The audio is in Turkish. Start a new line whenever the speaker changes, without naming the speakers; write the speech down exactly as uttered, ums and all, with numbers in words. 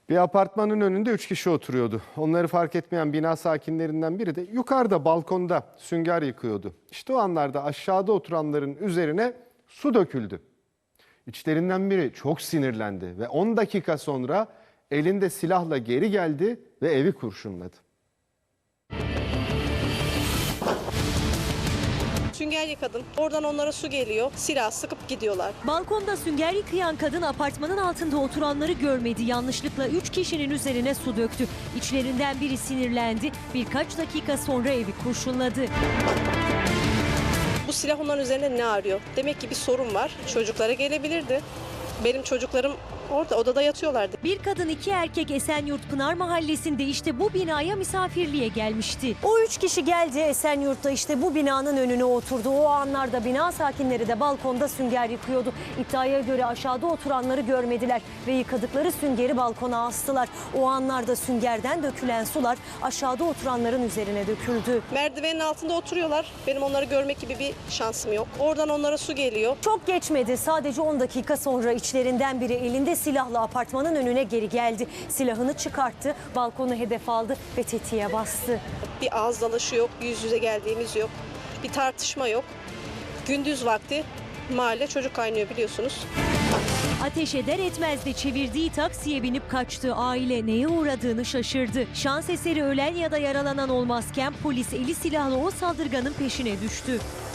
Bir apartmanın önünde üç kişi oturuyordu. Onları fark etmeyen bina sakinlerinden biri de yukarıda balkonda sünger yıkıyordu. İşte o anlarda aşağıda oturanların üzerine su döküldü. İçlerinden biri çok sinirlendi ve on dakika sonra elinde silahla geri geldi ve evi kurşunladı.
Sünger yıkadım. Oradan onlara su geliyor. Silah sıkıp gidiyorlar.
Balkonda sünger yıkayan kadın apartmanın altında oturanları görmedi. Yanlışlıkla üç kişinin üzerine su döktü. İçlerinden biri sinirlendi. Birkaç dakika sonra evi kurşunladı.
Bu silah onların üzerinde ne arıyor? Demek ki bir sorun var. Çocuklara gelebilirdi. Benim çocuklarım orada odada yatıyorlardı.
Bir kadın iki erkek Esenyurt Pınar Mahallesi'nde işte bu binaya misafirliğe gelmişti. O üç kişi geldi Esenyurt'ta işte bu binanın önüne oturdu. O anlarda bina sakinleri de balkonda sünger yıkıyordu. İddiaya göre aşağıda oturanları görmediler ve yıkadıkları süngeri balkona astılar. O anlarda süngerden dökülen sular aşağıda oturanların üzerine döküldü.
Merdivenin altında oturuyorlar. Benim onları görmek gibi bir şansım yok. Oradan onlara su geliyor.
Çok geçmedi. Sadece on dakika sonra içlerinden biri elinde silahla apartmanın önüne geri geldi. Silahını çıkarttı, balkonu hedef aldı ve tetiğe bastı.
Bir ağız dalaşı yok, yüz yüze geldiğimiz yok. Bir tartışma yok. Gündüz vakti mahalle çocuk kaynıyor biliyorsunuz.
Ateş eder etmez de çevirdiği taksiye binip kaçtı. Aile neye uğradığını şaşırdı. Şans eseri ölen ya da yaralanan olmazken polis eli silahlı o saldırganın peşine düştü.